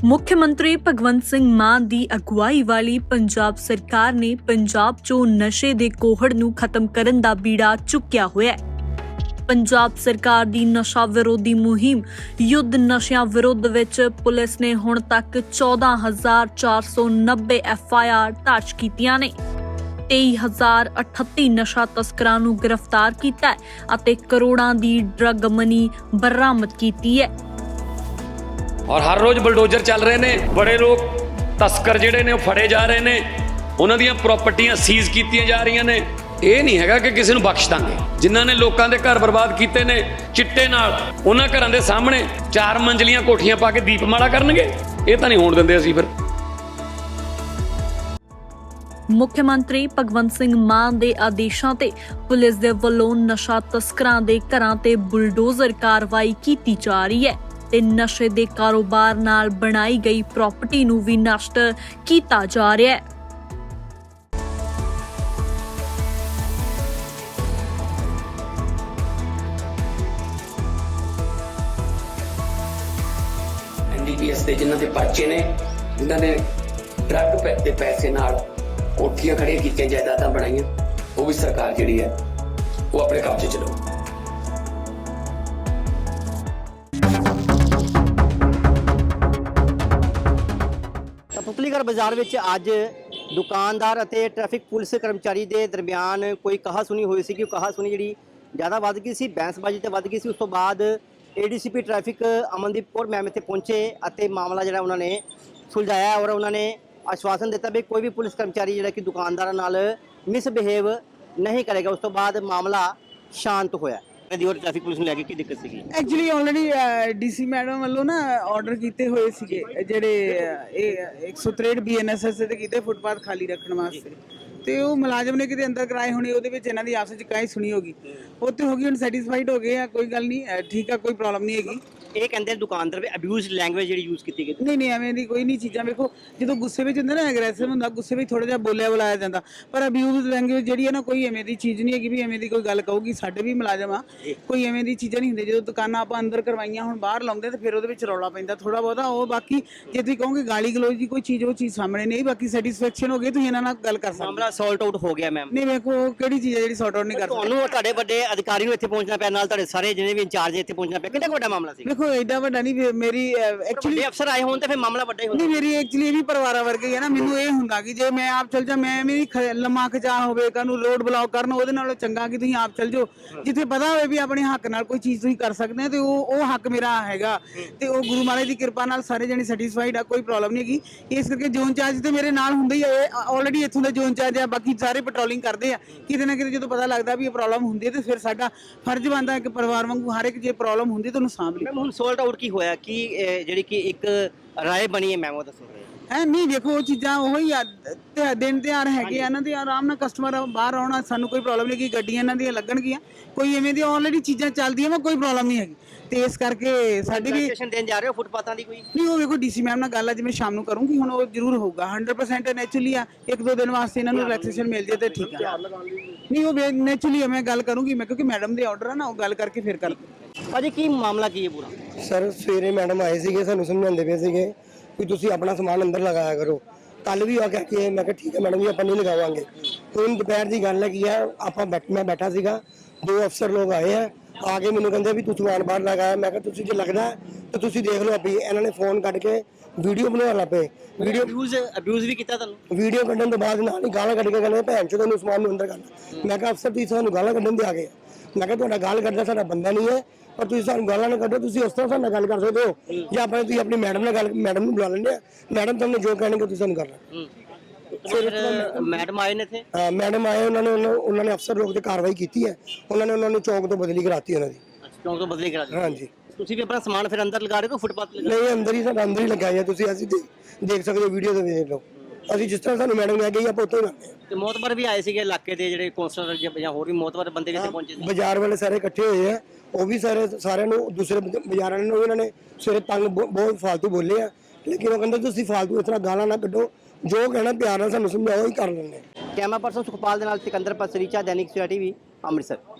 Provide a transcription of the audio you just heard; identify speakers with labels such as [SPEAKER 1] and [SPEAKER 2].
[SPEAKER 1] ਮੁੱਖਮੰਤਰੀ ਭਗਵੰਤ ਸਿੰਘ ਮਾਨ ਦੀ ਅਗਵਾਈ ਵਾਲੀ ਪੰਜਾਬ ਸਰਕਾਰ ਨੇ ਪੰਜਾਬ 'ਚੋਂ ਨਸ਼ੇ ਦੇ ਕੋਹੜ ਨੂੰ ਖਤਮ ਕਰਨ ਦਾ ਬੀੜਾ ਚੁੱਕਿਆ ਹੋਇਆ ਹੈ। ਪੰਜਾਬ ਸਰਕਾਰ ਦੀ ਨਸ਼ਾ ਵਿਰੋਧੀ ਮੁਹਿੰਮ ਯੁੱਧ ਨਸ਼ਿਆਂ ਵਿਰੁੱਧ ਵਿੱਚ ਪੁਲਿਸ ਨੇ ਹੁਣ ਤੱਕ 14,490 FIR ਦਰਜ ਕੀਤੀਆਂ ਨੇ। 23,038 ਨਸ਼ਾ ਤਸਕਰਾਂ ਨੂੰ ਗ੍ਰਿਫਤਾਰ ਕੀਤਾ ਹੈ ਅਤੇ ਕਰੋੜਾਂ ਦੀ ਡਰੱਗ ਮਨੀ ਬਰਾਮਦ ਕੀਤੀ ਹੈ।
[SPEAKER 2] और हर रोज बुलडोजर चल रहे ने, बड़े लोग तस्कर जिहड़े ने फड़े जा रहे ने, उन्हां दीयां प्रॉपर्टियां सीज कीतियां जा रहीਆਂ ਨੇ। ਇਹ ਨਹੀਂ ਹੈਗਾ ਕਿ ਕਿਸੇ ਨੂੰ ਬਖਸ਼ ਦਾਂਗੇ। ਜਿਨ੍ਹਾਂ ਨੇ ਲੋਕਾਂ ਦੇ ਘਰ ਬਰਬਾਦ ਕੀਤੇ ਨੇ ਚਿੱਟੇ ਨਾਲ, ਉਹਨਾਂ ਘਰਾਂ ਦੇ ਸਾਹਮਣੇ 4 ਮੰਜ਼ਲੀਆਂ ਕੋਠੀਆਂ ਪਾ ਕੇ ਦੀਪਮਾਲਾ ਕਰਨਗੇ। ਇਹ ਤਾਂ ਨਹੀਂ ਹੋਣ ਦਿੰਦੇ ਅਸੀਂ। ਫਿਰ
[SPEAKER 1] ਮੁੱਖ ਮੰਤਰੀ ਭਗਵੰਤ ਸਿੰਘ ਮਾਨ ਦੇ ਆਦੇਸ਼ਾਂ ਤੇ ਪੁਲਿਸ ਦੇ ਵੱਲੋਂ ਨਸ਼ਾ ਤਸਕਰਾਂ ਦੇ ਘਰਾਂ ਤੇ ਬੁਲਡੋਜ਼ਰ ਕਾਰਵਾਈ ਕੀਤੀ ਜਾ ਰਹੀ ਹੈ ਤੇ ਨਸ਼ੇ ਦੇ ਕਾਰੋਬਾਰ ਨਾਲ ਬਣਾਈ ਗਈ ਪ੍ਰਾਪਰਟੀ ਨੂੰ ਵੀ ਨਸ਼ਟ ਕੀਤਾ ਜਾ ਰਿਹਾ ਹੈ।
[SPEAKER 2] NDPS ਦੇ ਜਿਨ੍ਹਾਂ ਦੇ ਪਰਚੇ ਨੇ, ਜਿਨ੍ਹਾਂ ਨੇ ਡਰੱਗ ਦੇ ਪੈਸੇ ਨਾਲ ਕੋਠੀਆਂ ਖੜੀਆਂ ਕੀਤੀਆਂ, ਜਾਇਦਾਦਾਂ ਬਣਾਈਆਂ, ਉਹ ਵੀ ਸਰਕਾਰ ਜਿਹੜੀ ਹੈ ਉਹ ਆਪਣੇ ਕਬਜ਼ੇ 'ਚ ਲਓ।
[SPEAKER 3] ਪੁਤਲੀਗੜ੍ਹ ਬਾਜ਼ਾਰ ਵਿੱਚ ਅੱਜ ਦੁਕਾਨਦਾਰ ਅਤੇ ਟ੍ਰੈਫਿਕ ਪੁਲਿਸ ਕਰਮਚਾਰੀ ਦੇ ਦਰਮਿਆਨ ਕੋਈ ਕਹਾ-ਸੁਣੀ ਹੋਈ ਸੀ ਕਿ ਕਹਾ-ਸੁਣੀ ਜਿਹੜੀ ਜ਼ਿਆਦਾ ਵੱਧ ਗਈ ਸੀ, ਬਹਿਸਬਾਜ਼ੀ ਤੇ ਵੱਧ ਗਈ ਸੀ। ਉਸ ਤੋਂ ਬਾਅਦ ADCP traffic Amandeep Kaur ma'am ਇੱਥੇ ਪਹੁੰਚੇ ਅਤੇ ਮਾਮਲਾ ਜਿਹੜਾ ਉਹਨਾਂ ਨੇ ਸੁਲਝਾਇਆ ਔਰ ਉਹਨਾਂ ਨੇ ਆਸ਼ਵਾਸਨ ਦਿੱਤਾ ਵੀ ਕੋਈ ਵੀ ਪੁਲਿਸ ਕਰਮਚਾਰੀ ਜਿਹੜਾ ਕਿ ਦੁਕਾਨਦਾਰਾਂ ਨਾਲ ਮਿਸਬਿਹੇਵ ਨਹੀਂ ਕਰੇਗਾ। ਉਸ ਤੋਂ ਬਾਅਦ ਮਾਮਲਾ ਸ਼ਾਂਤ ਹੋਇਆ। ਦੀ ਹੋਰ ਟ੍ਰੈਫਿਕ ਪੁਲਿਸ ਨੂੰ ਲੈ ਕੇ ਕੀ ਦਿੱਕਤ ਸੀਗੀ?
[SPEAKER 4] ਐਕਚੁਅਲੀ ਆਲਰੇਡੀ ਡੀਸੀ ਮੈਡਮ ਵੱਲੋਂ ਨਾ ਆਰਡਰ ਕੀਤੇ ਹੋਏ ਸੀਗੇ ਜਿਹੜੇ ਇਹ 163 BNSS ਤੇ ਕੀਤੇ ਫੁੱਟਪਾਥ ਖਾਲੀ ਰੱਖਣ ਵਾਸਤੇ, ਤੇ ਉਹ ਮੁਲਾਜ਼ਮ ਨੇ ਕਿਤੇ ਅੰਦਰ ਕਰਾਏ ਹੋਣੇ, ਉਹਦੇ ਵਿੱਚ ਇਹਨਾਂ ਦੀ ਆਪਸ ਵਿੱਚ ਕਾਹੀ ਸੁਣੀ ਹੋਗੀ, ਉਹ ਤੇ ਹੋ ਗਈ। ਹੁਣ ਸੈਟੀਸਫਾਈਡ ਹੋ ਗਏ ਆ, ਕੋਈ ਗੱਲ ਨਹੀਂ, ਠੀਕ ਆ, ਕੋਈ ਪ੍ਰੋਬਲਮ ਨਹੀਂ ਹੈਗੀ।
[SPEAKER 3] ਇਹ ਕਹਿੰਦੇ ਦੁਕਾਨਦਾਰ ਵੀ ਅਬਿਊਜ਼ ਲੈਂਗੁਏਜ ਜਿਹੜੀ ਯੂਜ਼ ਕੀਤੀ ਗਈ।
[SPEAKER 4] ਨਹੀਂ ਐਵੇਂ ਦੀ ਕੋਈ ਨਹੀਂ ਚੀਜ਼ਾਂ। ਵੇਖੋ ਜਦੋਂ ਗੁੱਸੇ ਵਿੱਚ ਹੁੰਦਾ ਨਾ, ਐਗਰੈਸਿਵ ਹੁੰਦਾ, ਗੁੱਸੇ ਵਿੱਚ ਥੋੜਾ ਜਿਹਾ ਬੁਲਾਇਆ ਜਾਂਦਾ, ਪਰ ਅਬਿਊਜ਼ ਲੈਂਗੁਏਜ ਜਿਹੜੀ ਹੈ ਨਾ, ਕੋਈ ਐਵੇਂ ਦੀ ਚੀਜ਼ ਨਹੀਂ ਹੈਗੀ ਵੀ ਐਵੇਂ ਦੀ ਕੋਈ ਗੱਲ ਕਹੂਗੀ। ਸਾਡੇ ਵੀ ਮੁਲਾਜ਼ਮ ਆ, ਕੋਈ ਐਵੇਂ ਦੀ ਚੀਜ਼ਾਂ ਨਹੀਂ ਹੁੰਦੀਆਂ। ਜਦੋਂ ਦੁਕਾਨਾਂ ਆਪਾਂ ਅੰਦਰ ਕਰਵਾਈਆਂ, ਹੁਣ ਬਾਹਰ ਲਾਉਂਦੇ ਤੇ ਫਿਰ ਉਹਦੇ ਵਿੱਚ ਰੌਲਾ ਪੈਂਦਾ ਥੋੜਾ ਬਹੁਤਾ। ਉਹ ਬਾਕੀ ਜੇ ਤੁਸੀਂ ਕਹੋਗੇ ਗਾਲੀ ਗਲੋਚ ਦੀ ਕੋਈ ਚੀਜ਼, ਉਹ ਚੀਜ਼ ਸਾਹਮਣੇ ਨਹੀਂ। ਬਾਕੀ ਸੈਟੀਸਫੈਕਸ਼ਨ ਹੋ ਗਈ, ਤੁਸੀਂ ਇਹਨਾਂ ਨਾਲ ਗੱਲ ਕਰ ਸਕਦੇ।
[SPEAKER 3] ਮਾਮਲਾ ਸੌਲਟ ਆਊਟ ਹੋ ਗਿਆ ਮੈਮ? ਨਹੀਂ,
[SPEAKER 4] ਵੇਖੋ ਕਿਹੜੀ ਚੀਜ਼ ਹੈ ਜਿਹੜੀ ਸੌਟ ਆਊਟ ਨਹੀਂ ਕਰ
[SPEAKER 3] ਤੁਹਾਨੂੰ ਤੁਹਾਡੇ ਵੱਡੇ ਅਧਿਕਾਰੀ ਨੂੰ ਇੱਥੇ ਪਹੁੰਚਣਾ ਪਿਆ, ਨਾਲ ਤੁਹਾਡੇ ਸਾਰੇ ਜਿਹਨੇ ਵੀ ਇੰਚਾਰਜ ਇੱਥੇ ਪਹੁੰਚਣਾ ਪਿਆ। ਕਿੰਨਾ ਵੱਡਾ ਮਾਮਲਾ ਸੀ?
[SPEAKER 4] ਵੇਖੋ ਐਡਾ ਵੱਡਾ ਨਹੀਂ। ਮੇਰੀ ਐਕਚੁਅਲੀ
[SPEAKER 3] ਅਫਸਰ ਆਏ ਹੋਣ ਤੇ ਫਿਰ ਮਾਮਲਾ ਵੱਡਾ ਹੀ ਹੁੰਦਾ।
[SPEAKER 4] ਨਹੀਂ, ਮੇਰੀ ਐਕਚੁਅਲੀ ਇਹ ਵੀ ਪਰਿਵਾਰਾਂ ਵਰਗੇ ਹੈ ਨਾ। ਮੈਨੂੰ ਇਹ ਹੁੰਦਾ ਕਿ ਜੇ ਮੈਂ ਆਪ ਚਲ ਜਾ, ਮੈਂ ਮੇਰੀ ਲੰਮਾ ਖਚਾ ਹੋਵੇ, ਕਾਨੂੰ ਰੋਡ ਬਲੌਕ ਕਰਨ, ਉਹਦੇ ਨਾਲੋਂ ਚੰਗਾ ਕਿ ਤੁਸੀਂ ਆਪ ਚਲ ਜਾਓ। ਜਿੱਥੇ ਪਤਾ ਹੋਵੇ ਵੀ ਆਪਣੇ ਹੱਕ ਨਾਲ ਕੋਈ ਚੀਜ਼ ਤੁਸੀਂ ਕਰ ਸਕਦੇ ਹੋ ਤੇ ਉਹ ਹੱਕ ਮੇਰਾ ਹੈਗਾ, ਤੇ ਉਹ ਗੁਰੂ ਮਹਾਰਾਜ ਦੀ ਕਿਰਪਾ ਨਾਲ ਸਾਰੇ ਜਣੇ ਸੈਟੀਸਫਾਈਡ ਆ, ਕੋਈ ਪ੍ਰੋਬਲਮ ਨਹੀਂ ਹੈਗੀ। ਇਸ ਕਰਕੇ ਜ਼ੋਨ ਚਾਰਜ ਤੇ ਮੇਰੇ ਨਾਲ ਹੁੰਦੇ ਹੀ ਆ, ਆਲਰੇਡੀ ਇੱਥੋਂ ਦੇ ਜ਼ੋਨ ਚਾਰਜ ਆ, ਬਾਕੀ ਸਾਰੇ ਪੈਟਰੋਲਿੰਗ ਕਰਦੇ ਆ। ਕਿਤੇ ਨਾ ਕਿਤੇ ਜਦੋਂ ਪਤਾ ਲੱਗਦਾ ਵੀ ਇਹ ਪ੍ਰੋਬਲਮ ਹੁੰਦੀ ਹੈ ਤੇ ਫਿਰ ਸਾਡਾ ਫਰਜ਼ ਬਣਦਾ ਇੱਕ ਪਰਿਵਾਰ ਵਾਂਗੂ ਹਰ ਇੱਕ ਜੇ ਪ੍ਰੋਬਲਮ ਹੁੰਦੀ ਤਾਂ ਉਹਨੂੰ ਸਾਂਭ ਲਈ।
[SPEAKER 3] ਹੁਣ ਸੋਲਟ ਆਊਟ ਕੀ ਹੋਇਆ ਕਿ ਜਿਹੜੀ ਕਿ ਇੱਕ ਰਾਏ ਬਣੀ ਹੈ, ਮੈਮ ਉਹ ਦੱਸੋ।
[SPEAKER 4] ਨਹੀਂ ਦੇਖੋ, ਉਹ ਚੀਜ਼ਾਂ ਉਹੀ ਆ, ਦਿਨ ਤਿਉਹਾਰ ਹੈਗੇ ਆ ਇਹਨਾਂ ਦੇ, ਆਰਾਮ ਨਾਲ ਕਸਟਮਰ ਬਾਹਰ ਆਉਣਾ, ਸਾਨੂੰ ਕੋਈ ਪ੍ਰੋਬਲਮ ਨਹੀਂ। ਕਿ ਗੱਡੀਆਂ ਇਹਨਾਂ ਦੀਆਂ ਲੱਗਣਗੀਆਂ, ਕੋਈ ਐਵੇਂ ਦੀਆਂ ਆਲਰੇਡੀ ਚੀਜ਼ਾਂ ਚੱਲਦੀਆਂ ਵਾ, ਕੋਈ ਪ੍ਰੋਬਲਮ ਨਹੀਂ ਹੈਗੀ। ਤੇ ਇਸ ਕਰਕੇ ਸਾਡੀ ਵੀ
[SPEAKER 3] ਦੇਣ ਜਾ ਰਹੇ ਹੋ ਫੁੱਟਪਾਥਾਂ ਦੀ ਕੋਈ
[SPEAKER 4] ਨਹੀਂ। ਉਹ ਵੇਖੋ ਡੀਸੀ ਮੈਮ ਨਾਲ ਗੱਲ ਅੱਜ ਮੈਂ ਸ਼ਾਮ ਨੂੰ ਕਰੂੰਗੀ, ਹੁਣ ਉਹ ਜ਼ਰੂਰ ਹੋਊਗਾ 100% ਨੈਚੁਰਲੀ ਆ। 1-2 ਦਿਨ ਵਾਸਤੇ ਇਹਨਾਂ ਨੂੰ ਰਿਲੈਕਸੇਸ਼ਨ ਮਿਲ ਜੇ ਤੇ ਠੀਕ ਆ। ਨਹੀਂ, ਉਹ ਨੈਚੁਰਲੀ ਮੈਂ ਗੱਲ ਕਰੂੰਗੀ ਮੈਂ, ਕਿਉਂਕਿ ਮੈਡਮ ਦੇ ਆਰਡਰ ਆ ਨਾ, ਉਹ ਗੱਲ ਕਰਕੇ ਫਿਰ ਕਰ।
[SPEAKER 3] ਭਾਜੀ ਕੀ ਮਾਮਲਾ ਕੀ ਹੈ ਪੂਰਾ?
[SPEAKER 5] ਸਰ ਸਵੇਰੇ ਮੈਡਮ ਆਏ ਸੀਗੇ, ਸਾਨੂੰ ਸਮਝਾਉਂਦੇ ਪਏ ਸੀਗੇ ਕਿ ਤੁਸੀਂ ਆਪਣਾ ਸਮਾਨ ਅੰਦਰ ਲਗਾਇਆ ਕਰੋ। ਕੱਲ ਵੀ ਆ ਕਹਿ ਕੇ ਮੈਂ ਕਿਹਾ ਠੀਕ ਹੈ ਮੈਡਮ ਜੀ, ਆਪਾਂ ਨਹੀਂ ਲਗਾਵਾਂਗੇ। ਹੁਣ ਦੁਪਹਿਰ ਦੀ ਗੱਲ ਹੈਗੀ ਆ, ਮੈਂ ਬੈਠਾ ਸੀਗਾ, 2 ਅਫਸਰ ਲੋਕ ਆਏ ਆ ਕੇ ਮੈਨੂੰ ਕਹਿੰਦੇ ਵੀ ਤੂੰ ਸਮਾਨ ਬਾਹਰ ਲਗਾਇਆ। ਮੈਂ ਕਿਹਾ ਤੁਸੀਂ ਜੇ ਲੱਗਦਾ ਤਾਂ ਤੁਸੀਂ ਦੇਖ ਲਓ ਆਪੀ। ਇਹਨਾਂ ਨੇ ਫੋਨ ਕੱਢ ਕੇ ਵੀਡੀਓ ਬਣਾਉਣ ਲੱਗ ਪਏ।
[SPEAKER 3] ਅਬਿਊਜ਼ ਵੀ ਕੀਤਾ ਤੁਹਾਨੂੰ?
[SPEAKER 5] ਵੀਡੀਓ ਕੱਢਣ ਤੋਂ ਬਾਅਦ ਨਾਲ ਹੀ ਗਾਲਾਂ ਕੱਢ ਕੇ ਕਹਿੰਦੇ ਭੈਣ ਚੋਦ ਤੈਨੂੰ ਸਮਾਨ ਨੂੰ ਅੰਦਰ ਕਰਨਾ। ਮੈਂ ਕਿਹਾ ਅਫਸਰ ਤੁਸੀਂ ਸਾਨੂੰ ਗਾਲਾਂ ਕੱਢਣ ਦੇ ਆ ਗਏ। ਮੈਂ ਕਿਹਾ ਤੁਹਾਡਾ ਗਾਲ ਕੱਢਦਾ ਸਾਡਾ ਬੰਦਾ ਨਹੀਂ ਹੈ, ਪਰ ਤੁਸੀਂ ਸਾਨੂੰ ਗਾਲਾਂ ਨਾ ਕੱਢੋ। ਤੁਸੀਂ ਉਸ ਤਰ੍ਹਾਂ ਸਾਡੇ ਨਾਲ ਗੱਲ ਕਰ ਸਕਦੇ ਹੋ, ਜਾਂ ਆਪਣੇ ਤੁਸੀਂ ਆਪਣੀ ਮੈਡਮ ਨਾਲ ਮੈਡਮ ਨੂੰ ਬੁਲਾ ਲੈਂਦੇ ਆ, ਮੈਡਮ ਤੁਹਾਨੂੰ ਜੋ ਕਹਿਣਗੇ ਤੁਸੀਂ ਸਾਨੂੰ ਕਰਨਾ।
[SPEAKER 3] ਮੈਡਮ ਆਏ ਨੇ ਇੱਥੇ?
[SPEAKER 5] ਮੈਡਮ ਆਏ, ਉਹਨਾਂ ਨੇ ਅਫਸਰ ਲੋਕ ਤੇ ਕਾਰਵਾਈ ਕੀਤੀ ਹੈ। ਉਹਨਾਂ ਨੂੰ ਚੌਕ ਤੋਂ ਬਦਲੀ ਕਰਾਤੀ ਉਹਨਾਂ ਦੀ।
[SPEAKER 3] ਚੌਕ ਤੋਂ ਬਦਲੀ ਕਰਾ ਦਿੱਤੀ? ਹਾਂਜੀ। ਤੁਸੀਂ ਵੀ ਆਪਣਾ ਸਮਾਨ ਫਿਰ ਅੰਦਰ ਲਗਾ ਰਹੇ ਹੋ ਫੁੱਟਪਾਥ ਤੇ?
[SPEAKER 5] ਨਹੀਂ, ਅੰਦਰ ਹੀ, ਸਾਡਾ ਅੰਦਰ ਹੀ ਲਗਾਇਆ। ਤੁਸੀਂ ਅਸੀਂ ਦੇਖ ਸਕਦੇ ਹੋ, ਵੀਡੀਓ ਤੇ ਦੇਖ ਲਓ। ਅਸੀਂ ਜਿਸ ਤਰ੍ਹਾਂ ਸਾਨੂੰ ਮੈਡਮ ਲੈ ਗਈ ਆਪਾਂ ਉੱਥੋਂ ਹੀ ਲਾਉਂਦੇ ਹਾਂ।
[SPEAKER 3] ਤੇ ਮੋਤਬਰ ਵੀ ਆਏ ਸੀਗੇ ਇਲਾਕੇ ਦੇ, ਜਿਹੜੇ ਕੌਂਸਲਰ ਜਾਂ ਹੋਰ ਵੀ ਮੋਤਬਰ ਬੰਦੇ ਵੀ ਇੱਥੇ ਪਹੁੰਚੇ ਸੀ?
[SPEAKER 5] ਬਾਜ਼ਾਰ ਵਾਲੇ ਸਾਰੇ ਇਕੱਠੇ ਹੋਏ ਆ, ਉਹ ਵੀ ਸਾਰਿਆਂ ਨੂੰ ਦੂਸਰੇ ਬਾਜ਼ਾਰਾਂ ਨੂੰ ਇਹਨਾਂ ਨੇ ਸਵੇਰੇ ਤੰਗ ਬਹੁਤ ਫਾਲਤੂ ਬੋਲੇ ਆ। ਲੇਕਿਨ ਉਹ ਕਹਿੰਦੇ ਤੁਸੀਂ ਫਾਲਤੂ ਇਸ ਤਰ੍ਹਾਂ ਗਾਲਾਂ ਨਾ ਕੱਢੋ, ਜੋ ਕਹਿਣਾ ਪਿਆਰ ਨਾਲ ਸਾਨੂੰ ਸਮਝਾਓ, ਹੀ ਕਰ ਲੈਂਦੇ।
[SPEAKER 3] ਕੈਮਰਾ ਪਰਸਨ ਸੁਖਪਾਲ ਦੇ ਨਾਲ ਸਿਕੰਦਰ ਪਸਰੀਚਾ, ਦੈਨਿਕ ਸਵੇਰਾ TV, ਅੰਮ੍ਰਿਤਸਰ।